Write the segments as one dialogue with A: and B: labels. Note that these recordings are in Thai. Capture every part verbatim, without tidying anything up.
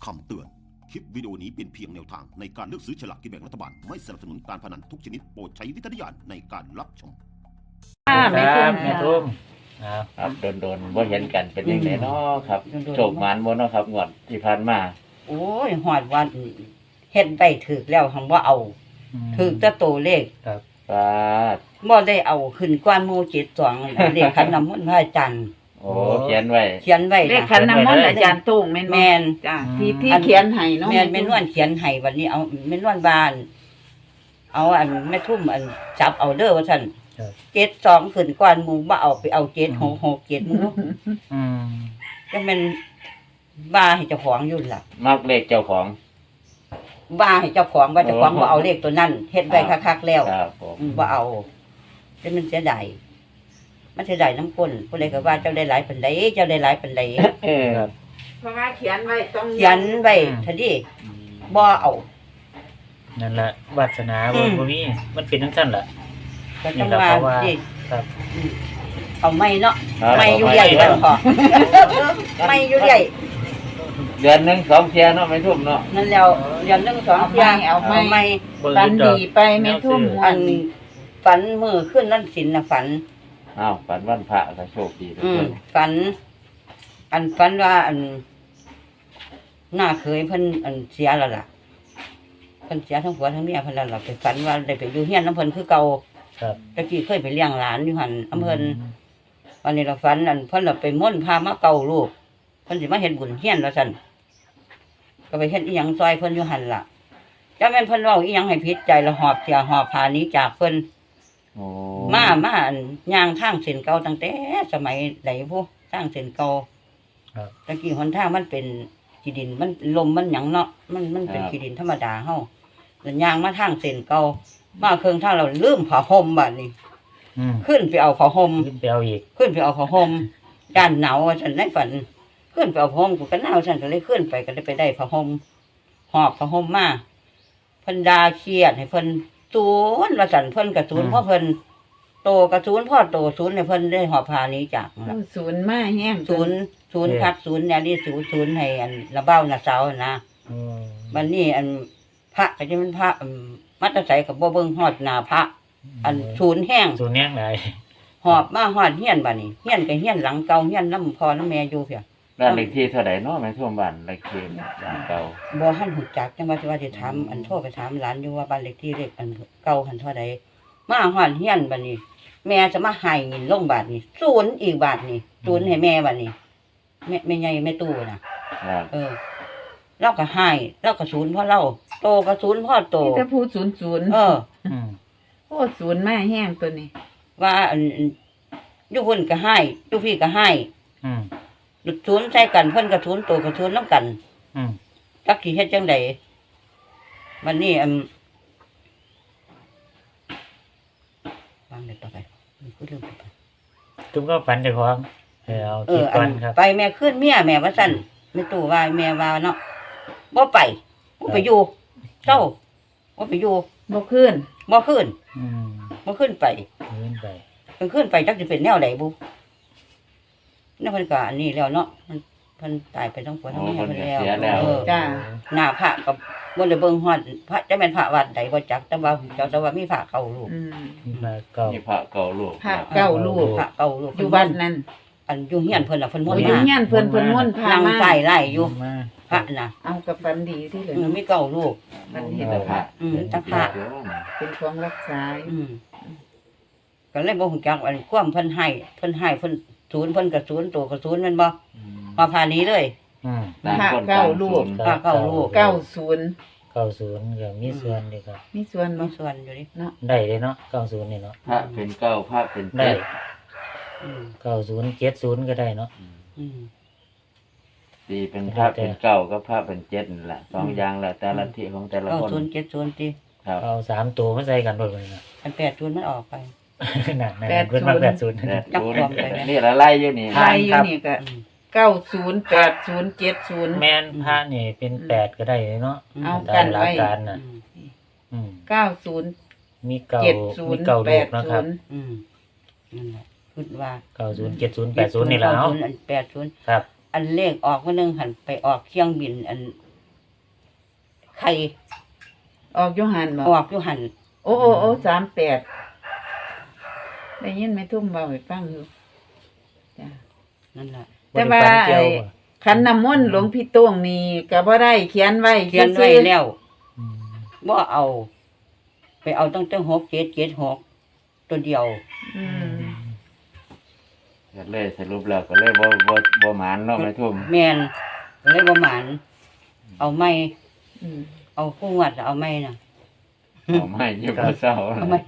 A: คำเตือน คลิปวิดีโอนี้เป็นเพียงแนวทางในการเลือกซื้อฉลากกินแบ่งรัฐบาล ไม่สนับสนุนการพนันทุกชนิดโปรดใช้วิจารณญาณในการรับชม
B: ค่ะแม่ทุ่ม
C: แม่ทุ่มครับโดนๆว่าเห็นกันเป็นยังไงเนาะครับโชคหมานบ่เนาะครับงวดที่ผ่านมา
B: โอ้ยหอดวันเฮ็ดไปถึกแล้วหังว่าเอาถึกแต่ตัวเลข
C: ครับว่า
B: บ่ได้เอาขึ้นกว่าหมู่เจ็ดสองเลขขันน้ำมนต์พระอาจารย์
C: โอ้เขียนไว้
B: เขียนไว้
D: เลขขันน้ำมนต์อาจารย์ตุ้งแม่น
B: แม่น
D: จ้ะที่ที่เขียนให้เนาะ
B: แม่นแม่นวลเขียนให้วันนี้เอาแม่นวลบ้านเอาอันแม่ทุ่มอันจับเอาเด้อว่าซั่นเจ็ดสองขึ้นกว่าหมู่บ่เอาไปเอาเจ็ดหกหกเจ็ดหมู่
C: อืม
B: จังแม่นบ้าให้เจ้าของอยู่ล่ะ
C: มักเลขเจ้าของ
B: ว่าให้เจ้าของว่าเจ้าของบ่เอาเลขตัวนั้นเฮ็ดไว้คักๆแล้ว
C: ครับผม
B: บ่เอาแต่มันเสียดายมันเสียดายน้ำก้นผู้ใดก็ว่าเจ้าได้หลายปานใดเจ้าได้หลายปานใด
C: เออ
D: เพราะว่าเขียนไว้ต้อง
B: เขียนไว้ทันทีบ่เอา
E: นั่นแหละวาสนาบ่บ่มีมันเป็นจังซั่นล่ะ
B: ก็จังว่าสิ
E: ครับ
B: เอาไม่เนาะไม่อยู่ใหญ่กันพอไม่อยู่ใหญ่
C: เดือนนึงสองเที่ยเนาะแม่ทุ่มเนาะ
B: นั่นแล้วเดือนนึงสองเที่ย
D: เอาไม่
B: ไม่
D: ฝันดีไปแม่ทุ่ม
B: อันฝันมื้อขึ้นวันศีลน่ะฝัน
C: อ้าวฝันวันพระก็โชคดีทุกคน
B: ฝันอันฝันว่าอันหน้าเคยเพิ่นอันเสียแล้วล่ะเพิ่นเสียทั้งผัวทั้งเมียเพิ่นแล้วล่ะไปฝันว่าได้ไปอยู่เฮียนน้ำเพิ่นคือเก่า
E: ครับ
B: ตะกี้เคยไปเลี้ยงหลานอยู่หั่นอำเพิ่นวันนี้เราฝันอันเพิ่นน่ะไปม่นพามาเก่าลูกเพิ่นสิมาเฮ็ดบุญเฮียนว่าซั่นก็ไปเฮ็ดอีหยังซอยเพิ่นอยู่หั่นล่ะจักแม่นเพิ่นเว้าอีหยังให้ผิดใจแล้วหอบเสียหอบพาหนีจากเพิ่น
C: โอ้
B: มามาอันย่างทางเส้นเก่าตั้งแต่สมัยใดพุทางเส้นเก่า
E: ครับ
B: ตะกี้หนทางมันเป็นขี้ดินมันลมมันหยังเนาะมันมันเป็นขี้ดินธรรมดาเฮาแล้วย่างมาทางเส้นเก่ามาเครื่องทางเราลืมผ้าห่มบัดนี้
E: อืม
B: ขึ้นไปเอาผ้าห่ม
E: ขึ้นไปเอาอีก
B: ขึ้นไปเอาผ้าห่มด้านหนาวฉันในฝันขึ้นไปเอาผ้าห่มกูก็หนาวฉันก็เลยขึ้นไปก็ได้ไปได้ผ้าห่มหอบผ้าห่มมาเพิ่นด่าเครียดให้เพิ่นศูนย์ว่าซั่นเพิ่นก็ศูนย์เพราะเพิ่นโตก็ศูนย์พ่อโตศูนย์ให้เพิ่นได้หอบพานี้จากนั่นล่ะ
D: ศูนย์มาแห้ง
B: ศูนย์ศูนย์คักศูนย์แนวนี้ศูนย์ศูนย์ให้อันระเบ้าน่ะเซานะ
E: อืม
B: บัดนี้อันพระก็จะเป็นพระมัตตไสก็บ่เบิ่งฮอดหน้าพระอันศูนย์แห้ง
E: ศูนย์แห้งหลาย
B: หอบมาฮอดเฮียนบัดนี้เฮียนก็เฮียนหลังเก่าเฮียนนำพ่อนำแม่อยู่เพีย
C: บ้านเลขที่เท่าใดเนาะแม่ทุ่มบ้านเลขที่หลังเก่า
B: บ่ทันฮู้จักจังว่าสิว่าสิถามอันโทรไปถามหลานอยู่ว่าบ้านเลขที่เลขอันเก่าหันเท่าใดมาฮอดเฮียนบัดนี้แม่จะมาให้เงินลงบาทนี่ศูนย์อีกบาทนี่ศูนย์ให้แม่บาทนี่แม่แม่ใหญ่แม่ตู้น่ะเออเราก็ให้เราก็ศูนย์พ่อเราโตก็ศูนย์พ่อโต
D: นี่จะพูดศูนย์ศูนย์
B: เออ
D: โอ้ศูนย์มาแห้งตัวนี้
B: ว่าอันอยู่เพิ่นก็ให้อยู่พี่ก็ให้
E: อืม
B: ศูนย์ใช้กันเพิ่นก็ศูนย์โตก็ศูนย์นำกัน
E: อืม
B: จักสิเฮ็ดจังได๋วันนี้อันวางได้ต่อไปคือเรื่องไป
E: ตุ้มก็ฝันเจ้าของเออเอาคิดก่อนครับ
B: ไปแม่ขึ้นเมียแม่ว่าซั่นแม่ตู้ว่าแม่ว่าเนาะบ่ไปบ่ไปอยู่เจ้าบ่ไปอยู่
D: บ่ขึ้น
B: บ่ขึ้น
E: อืม
B: บ่ขึ้นไป
E: ขึ้นไป
B: เพิ่นขึ้นไปจักสิเป็นแนวใดบุนั่นเพิ่นก็อันนี้แล้วเนาะมันเพิ่นตายไปทั้งผัวทั้งเมียเพิ่นแล้ว
C: เออ
D: จ้า
B: หน้าพระก็บ่ได้เบิ่งฮอดพระจะแม่นพระวัดใดบ่จักแต่ว่าเจ้าแต่ว่ามีพระเก่าลูก
D: อืม
E: มีพระเก่า
C: มีพระเก่าลูก
D: พระเก่าลูก
B: พระเก่าลูก
D: อยู่บ้านนั้น
B: อันอยู่เฮียนเพิ่นน่ะเพิ่นม่วนมา
D: อยู่เฮียนเพิ่นเพิ่นม่วนพา
B: มานั่งใต้ไร่อยู่พระน่ะ
D: เอากับฝันดีที่เหลือ
B: มีเก่าลูก
D: มันเห็นพระ
B: อืมจักพระ
D: เป็นของรักษา
B: อืมก็เลยบ่ฮู้จักอันความเพิ่นให้เพิ่นให้เพิ่นศูนย์เพิ่นก็ศูนย์โตก็ศูนย์แม่นบ่มาพานี้เลย
E: อืม
D: พระเก่าลูก
B: พระเก่าลูก
D: เก้าศูนย์
E: เก้าศูนย์ก็มีส่วนดีครับ
D: มีส่วน
B: มีส่วนอยู่ดิ
D: เนาะ
E: ได้เลยเนาะเก้าศูนย์นี่เนาะ
C: พระเป็นเก้าพระเป็นเจ็ด
E: อืมเก้าศูนย์เจ็ดศูนย์ก็ได้เนาะ
B: อืม
C: ตีเป็นพระเป็นเก้าก็พระเป็นเจ็ดนั่นแหละสองอย่างแหละแต่ละที่ของแต่ละคน
B: เก้าศูนย์เจ็ดศูนย์ติ
C: ครับ
E: เอาสามตัวมาใส่กันโดดเลยนะ
B: อันแปดศูนย์มันออกไป
E: นั่นๆเพิ่นมาแปดศูนย์
C: นี่ละไล่อยู่นี่
D: ไล่อยู่นี่ก็เก้าศูนย์ แปดศูนย์ เจ็ดศูนย์
E: แม่นพระนี่เป็นแปดก็ได้เนาะ
D: เอากันไว้
E: การน่ะ
D: อืมเก้าศูนย์
E: มีเก้ามีเก้าลูกนะครับ
B: อืมนั่นแหละคิดว่า
E: เก้าศูนย์ เจ็ดศูนย์ แปดศูนย์นี่แหละเนาะ
B: อันแปดศูนย์
E: ครับ
B: อันเลขออกมื้อนึงหันไปออกเครื่องบินอันไข่
D: ออกอยู่หันบ่
B: ออกอยู่หัน
D: โอ้โอ้โอ้สามแปดได้ยินแม่ทุ่มเบาให้ฟังอยู่จ้ะ
B: นั่นแหละ
D: แต่ว่า
E: บ่ได้ฝันเกี่ยว
D: ไอ้
E: บ่
D: ขันน้ำมนต์หลวงพี่โต้งนี่ก็บ่ได้เขียนไว้
B: เขียนไว้
D: ซื่อๆ
B: แล้ว
E: อืม
B: บ่เอา ไปเอาตั้งแต่หกเจ็ดเจ็ดหกตัวเดียว
D: อืม
C: ก็เลยสรุปแล้วก็เลยบ่บ่บ่หมานเนาะแม่ทุ่ม
B: แมนเลยบ่หมานเอาไม่
D: อืม
B: เอาคู่วัดเอาไม่น่ะ
C: เอาไม่อยู่บ่เศร้า
B: เอาไม่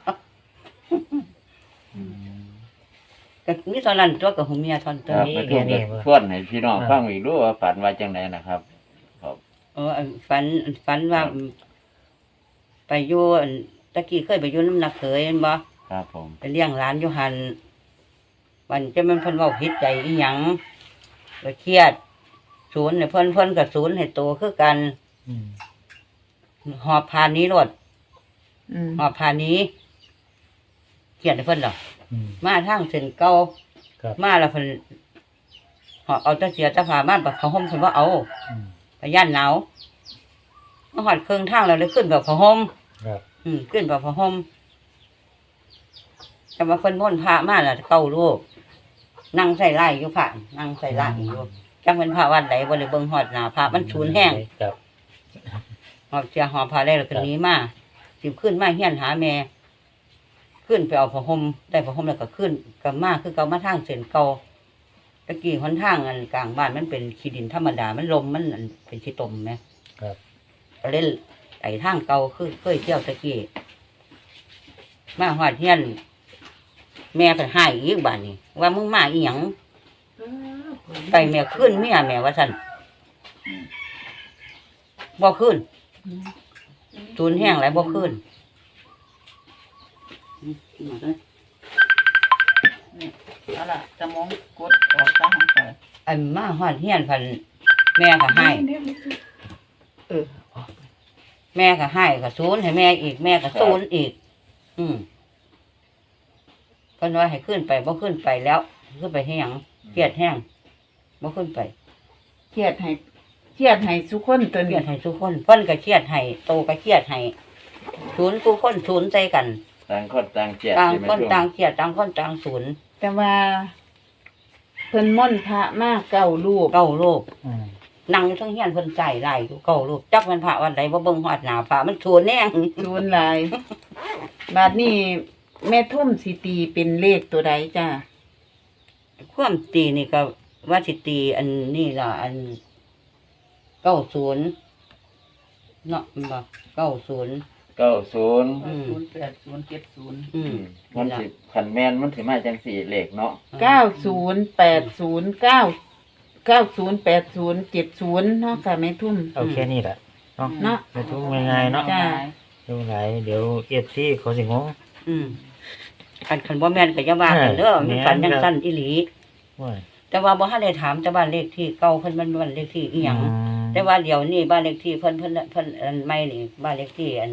B: ก็มีตอนนั้นตัวกับหูเมียทอน
C: ค
B: ตัว
C: รับ
B: นี้
C: แม่ทุ่มก็ทวนให้พี่น้องฟังอีกดูว่าฝันว่าจังไดนะครับ
B: เอออันฝันอันฝันว่า ไปอยู่อันตะกี้เคยไปอยู่น้ำหนักเขยเห็นบ่
C: ครับผม
B: ไปเลี้ยงร้านอยู่หันวันจะมันเพิ่นเว้าผิดใจอีหยังก็เครียด ศูนย์เนี่ยเพิ่นเพิ่นกับศูนย์ให้โตคือกัน
E: อืม
B: หอบพานี้รถ
D: อืม
B: หอบพานี้เครียดให้เพิ่นดอก
E: อืม
B: มาทางเส้นเก่า
E: ครับ
B: มาแล้วเพิ่นหอบเอาแตะเสียแตะผ้ามาบัดเขาห่มเพิ่นบ่เอา
E: อืม
B: ไปย่านหนาวมาหอดเครื่องทางแล้วเลยขึ้นแบบผ้าห่ม
E: ครับ
B: อืมขึ้นแบบผ้าห่มแต่ว่าเพิ่นม่นต์พระมาแล้วเก้ารูปนั่งใส่ไล่อยู่พระนั่งใส่ไล่อยู่จังเป็นพระวัดใดบ่ได้เบิ่งฮอดหน้าพระมันสูญแห้ง
E: ครับ
B: หอบเสียหอบพระได้แล้วก็หนีมาสิขึ้นมาเฮียนหาแม่ ขึ้นไปเอาผ้าห่มได้ผ้าห่มแล้วก็ขึ้นกลับมาคือเก่ามาทางเส้นเก่าตะกี้หนทางอันกลางบ้านมันเป็นขี้ดินธรรมดามันลมมันอันเป็นขี้ตมแหม
E: ครับ
B: ก็เล่นไต่ทางเก่าคือเคยเที่ยวตะกี้มาหอดเฮียน แม่ไปให้อีกบ้านนี้ว่ามึงมาอีหยังไปแม่ขึ้นเมียแม่ว่าสั่นบ่ขึ้นศูนย์แห้งหลายบ่ขึ้น
D: เอาล่ะสมองกดออกซะของข่อย
B: อันมาหอดเฮียนพันแม่ก็ให้
D: เออ
B: แม่ก็ให้ก็ศูนย์ให้แม่อีกแม่ก็ศูนย์อีก อืมเพิ่นว่าให้ขึ้นไปบ่ขึ้นไปแล้วขึ้นไปให้หยังเครียดแห้งบ่ขึ้นไป
D: เครียดให้เครียดให้ทุกคนตัว
B: เครี
D: นี้
B: ยดให้ทุกคนเพิ่นก็เครียดให้โตก็เครียดให้ศูนย์ทุกคนศูนย์ใจกัน
C: ต่างคนต่างเจ็บ
B: ต่าง
C: ใช่ไหม
B: คน
C: ทุ่ม
B: ต่างเครียดต่างคนต่างศูนย์
D: แต่ว่าเพิ่นม่อนต์พระมากเก้ารูป
B: เก้าโลก
E: อืม
B: นั่งอยู่เทั้งเฮียนเพิ่นใจไหลอยู่เก้าโลกจักมันพระวันใดบ่เบิ่งฮอดหน้าพระมันศูนย์แน่ง
D: ศูนย์หลาย บาดนี้แม่ทุ่มสิตีเป็นเลขตัวใดจ้า
B: ความตีนี่ก็ว่าสิตีอันนี้ล่ะอันเก้าศูนย์เนาะมันบ่เก้าศูนย์
C: เก้าศูนย์
B: อืม
D: ศูนย์แปดศูนย์เจ็ดศูนย์
B: อืม
C: มันสิขันแมนมันสิมาจังสี่เลขเนาะ
D: เก้าศูนย์แปดศูนย์เก้าเก้าศูนย์แปดศูนย์เจ็ดศูนย์เนาะค่ะแม่ทุ่ม
E: เอาแค่นี้แหละเนาะ
D: เนาะ
E: ไปทุกง่ายๆเนาะ
D: จ้า
E: ดูไหนเดี๋ยวเอฟซีเขาสิงง
B: อืมคันคันบ่แม่นก็อย่าว่ากันเด้อ
E: เออ
B: มันฝัน
E: แม่
B: จั
E: น
B: ง
E: ครับ
B: ซั่นอีหลี
E: ว่า
B: แต่ว่าบ่ทันได้ถามแต่บ้านเลขที่เก่าเพิ่นมันบ้านเลขที่อีหยัง
E: อืม
B: แต่ว่าเดี๋ยวนี้บ้านเลขที่เพิ่นเพิ่นเพิ่นอันใหม่นี่บ้านเลขที่อัน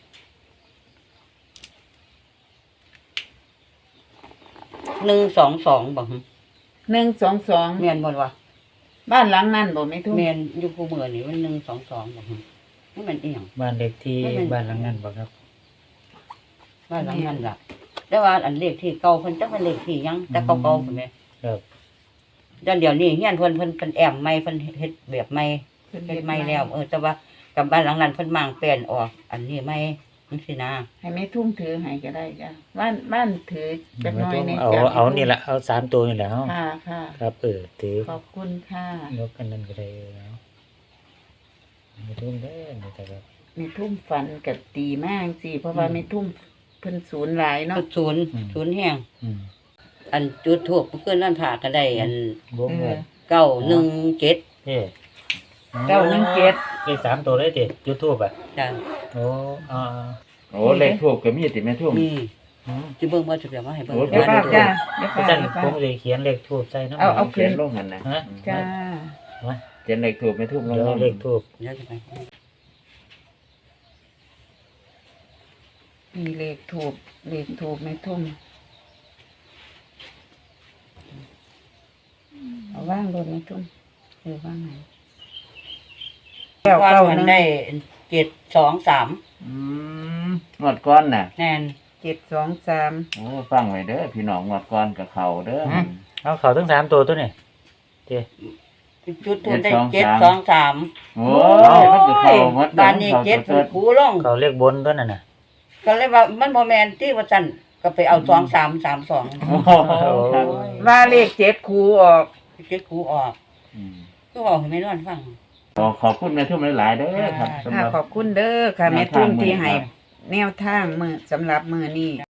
B: หนึ่งสองสองบ่หึ
D: หนึ่งสองสอง
B: แม่นบ่วะ
D: บ้านหลังนั้นบ่แม่ทุ่ม
B: แม่นอยู่ผู้เมือนี่มันหนึ่งสองสองบ่หึนี่มันอีหยัง
E: บ้านเล็กที่
B: ไม่เป็น
E: บ้านหลังนั้นบ่ครับ
B: บ้านหลังนั้นล่ะ แต่ว่าอันเลขที่เก่าเพิ่นจักเป็นเลขที่หยังแต่เก่าๆพุ่นแหม
E: ครับ
B: แต่เดี๋ยวนี้เฮียนเพิ่นเพิ่นเป็นแอมใหม่เพิ่นเฮ็ดแบบใหม่
D: เพิ่น
B: เฮ็
D: เฮ็
B: ด
D: ด
B: ใหม่
D: ใหม่
B: แล้ว เออ แต่ว่ากับบ้านหลังนั้นเพิ่นมางแปลนออก อันนี้ใหม่จังซี่นะ
D: ให้แม่ทุ่มถือให้ก็ได้จ้าบ้านบ้านถือจักหน่อย
E: ไม่
D: ใน
E: ต้องเอา
D: จ้ะ
E: เอานี่แหละเอาสามตัวนี่แหละเนาะ
D: ค่ะค่ะ
E: ครับเออถือ
D: ขอบคุณค่ะ
E: ยกกันนั่นก็ได้เนาะไม่ทุ่มเด้อนี่แต่ว่า
D: แม่ทุ่มฝันกับตีมากสิเพราะว่าแม่ทุ่มเพิ่นศูนย์หลายเนาะ
B: ศูนย์ศูนย์แห้ง
E: อืม
B: อันจุดทูบเพื่อนนั่นผ่าก็ได้ อัน
E: วงเงิน
B: เก้าหนึ่งเจ็ด
E: เฮ้
D: เก้าหนึ่งเจ็ด
E: เลขสามตัวเลยเด็ดยูทูบอ่ะ
B: จ้ะ
E: โอ้อ่า
C: โอ้เลขทูบก็มีติแม่ทุ่ม
B: มี
E: อืม
B: จะเบิ่งว่าจะแบบว่าให้เบิ่ง
C: โอ้
D: เดี๋ยว
B: ว่า
D: ป้า
B: ดู
D: จ้าเดี๋ยว
E: อา
D: ป้า
E: จารย์
D: เดี๋ยว
E: ผ
D: ป้าม
E: เลยเขียนเลขทูบใส่น้ำ
D: เอาเอา
C: เขียนลงหันนะ
E: ฮะ
D: จ้า
E: มา
C: เขียนเลขทูบแม่ทุ่มลง
E: เดี๋ยว
C: หัน
E: เลขทูบ
B: เดี๋ยวจะไป
D: มีเลขถูกเลขถูกแม่ทุ่มเอาว่างรถแม่ทุ่มเออว่างไหนเก้า
B: ว่า
D: เก้า
B: มัน
D: หนึ่ง
B: ได้เจ็ดสองสาม
C: อืมงวดก้อนน่ะ
B: แน่น
D: เจ็ดสองสาม
C: โอ้ฟังไว้เด้อพี่น้องงวดก้อนกับเขาเด้ออ
E: เอาเขาทั้งสามตัวตัวนี่
B: จุดทุนได้
C: เจ็
B: เจ็
C: ด
B: ด
C: ส
B: ส
C: อ
B: อง งสาม
C: โอ้ยมันก็เข้าหมด
B: บ้านนี้เจ็ด
C: เข้า
B: ผูลง
E: เขาเรียกบนตัวนั่นน่ะ
B: ก็เลยว่ามันพอแมนที่ว่าจันก็ไปเอาสองสามสามสอง
C: โอ้โหครับ
D: ว่าเลขเจ็ดคูออก
B: เจ็ดคูออก
C: อืม
B: ก็บอกให้ไม่นอนฟัง
C: ขอขอบคุณแม่ทุ่มหลายๆเด้อครับสำห
D: ค่ะ
C: รับ
D: ขอบคุณเด้อค่ะแม่ทุ่มที่ให้แนวทางมือสำหรับมือนี้